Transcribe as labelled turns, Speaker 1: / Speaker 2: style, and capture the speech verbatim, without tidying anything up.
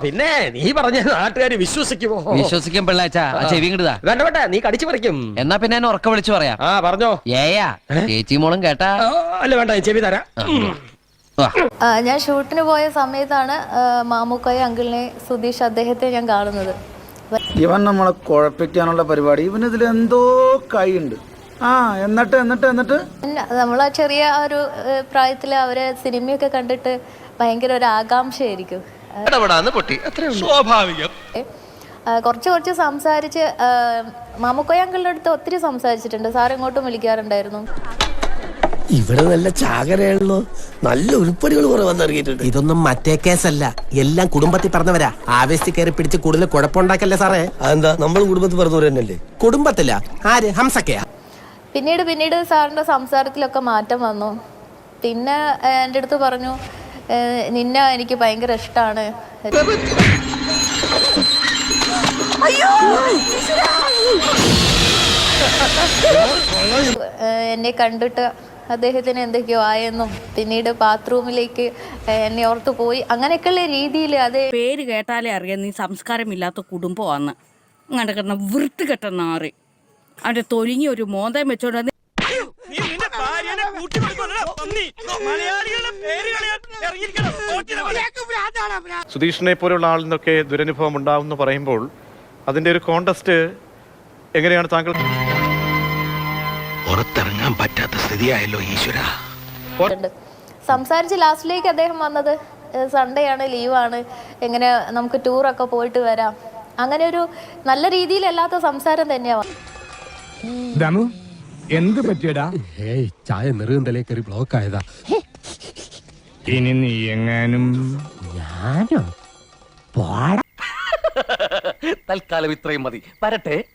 Speaker 1: പിന്നെ നീ പറഞ്ഞ നാട്ടുകാര് വിശ്വസിക്കുമോ?
Speaker 2: വിശ്വസിക്കും പിള്ളാച്ച. ചെവി കിട്ടുതാ
Speaker 1: വേണ്ട വേണ്ട, നീ കടിച്ചു പറിക്കും.
Speaker 2: എന്നാ പിന്നെ എന്നെ ഉറക്കം വിളിച്ചു പറയാം.
Speaker 1: ആ പറഞ്ഞോ.
Speaker 2: ഏയാ ചേച്ചി മോളും കേട്ടാ?
Speaker 1: അല്ല വേണ്ട, ചെവി തരാം.
Speaker 3: ഞാൻ ഷൂട്ടിന് പോയ സമയത്താണ് മാമുക്കോയ അങ്കിളിനെ, സുധീഷ് അദ്ദേഹത്തെ ഞാൻ കാണുന്നത്.
Speaker 4: ഇവൻ നമ്മളെ കുഴപ്പിക്കാനുള്ള പരിപാടി, ഇവൻ ഇതിൽ എന്തോ കൈയുണ്ട്. ആ എന്നിട്ട് എന്നിട്ട് എന്നിട്ട്
Speaker 3: നമ്മളെ ചെറിയ ഒരു പ്രായത്തിൽ അവരെ സിനിമയൊക്കെ കണ്ടിട്ട് ഭയങ്കര ഒരു ആകാംക്ഷയായിരിക്കും.
Speaker 1: സ്വാഭാവികം.
Speaker 3: കുറച്ച് കുറച്ച് സംസാരിച്ച് മാമുക്കോയ അങ്കിളിന്റെ അടുത്ത് ഒത്തിരി സംസാരിച്ചിട്ടുണ്ട്. സാർ ഇങ്ങോട്ടും വിളിക്കാറുണ്ടായിരുന്നു.
Speaker 5: ഇവിടെ നല്ല ചാകരയാണല്ലോ, നല്ല ഉരുപ്പടികൾ കുറെ വന്നിറങ്ങിയിട്ടുണ്ട്.
Speaker 6: ഇതൊന്നും മറ്റേ കേസല്ല, എല്ലാം കുടുംബത്തിൽ പറഞ്ഞവരാ. ആവേശത്തിൽ കയറി പിടിച്ച് കൂടുതൽ കുഴപ്പമുണ്ടാക്കല്ലേ സാറേ.
Speaker 5: അതെന്താ, നമ്മളും കുടുംബത്തിൽ പറഞ്ഞവർ തന്നെയല്ലേ?
Speaker 6: കുടുംബത്തില്ല, ആര്? ഹംസക്കയാ?
Speaker 3: പിന്നീട് പിന്നീട് സാറിന്റെ സംസാരത്തിലൊക്കെ മാറ്റം വന്നു. പിന്നെ എൻ്റെ അടുത്ത് പറഞ്ഞു, നിന്നെ എനിക്ക് ഭയങ്കര ഇഷ്ടമാണ്, എന്നെ കണ്ടിട്ട് അദ്ദേഹത്തിന് എന്തൊക്കെയോ ആയെന്നും പിന്നീട് ബാത്റൂമിലേക്ക് എന്നെ ഓർത്ത് പോയി, അങ്ങനെയൊക്കെയുള്ള രീതിയിൽ. അത്
Speaker 7: പേര് കേട്ടാലേ അറിയാം നീ സംസ്കാരമില്ലാത്ത കുടുംബമാണെന്ന്. അങ്ങനെ കിടന്ന വൃത്തികെട്ട നാറി അവന്റെ തൊലിങ്ങി ഒരു മോന്തം വെച്ചോണ്ട്
Speaker 8: സുധീഷിനെ പോലുള്ള ആളിൽ നിന്നൊക്കെ ദുരനുഭവം ഉണ്ടാവുമെന്ന് പറയുമ്പോൾ അതിന്റെ ഒരു കോണ്ടസ്റ്റ് എങ്ങനെയാണ് താങ്കൾ?
Speaker 5: പുറത്തിറങ്ങാൻ പറ്റാത്ത സ്ഥിതിയായല്ലോ ഈശ്വര.
Speaker 3: സംസാരിച്ച് ലാസ്റ്റിലേക്ക് അദ്ദേഹം വന്നത് സൺഡേ ആണ്, ലീവാണ്, എങ്ങനെ നമുക്ക് ടൂറൊക്കെ പോയിട്ട് വരാം, അങ്ങനെ ഒരു നല്ല രീതിയിലല്ലാത്ത സംസാരം തന്നെയാണ്.
Speaker 9: എന്ത് പറ്റിയടാ?
Speaker 10: ഏയ് ചായ നെറുകന്തലേ കയറി ബ്ലോക്ക് ആയതാ.
Speaker 9: ഇനി നീ എങ്ങാനും.
Speaker 10: ഞാനോ?
Speaker 1: തൽക്കാലം ഇത്രയും മതി. വരട്ടെ.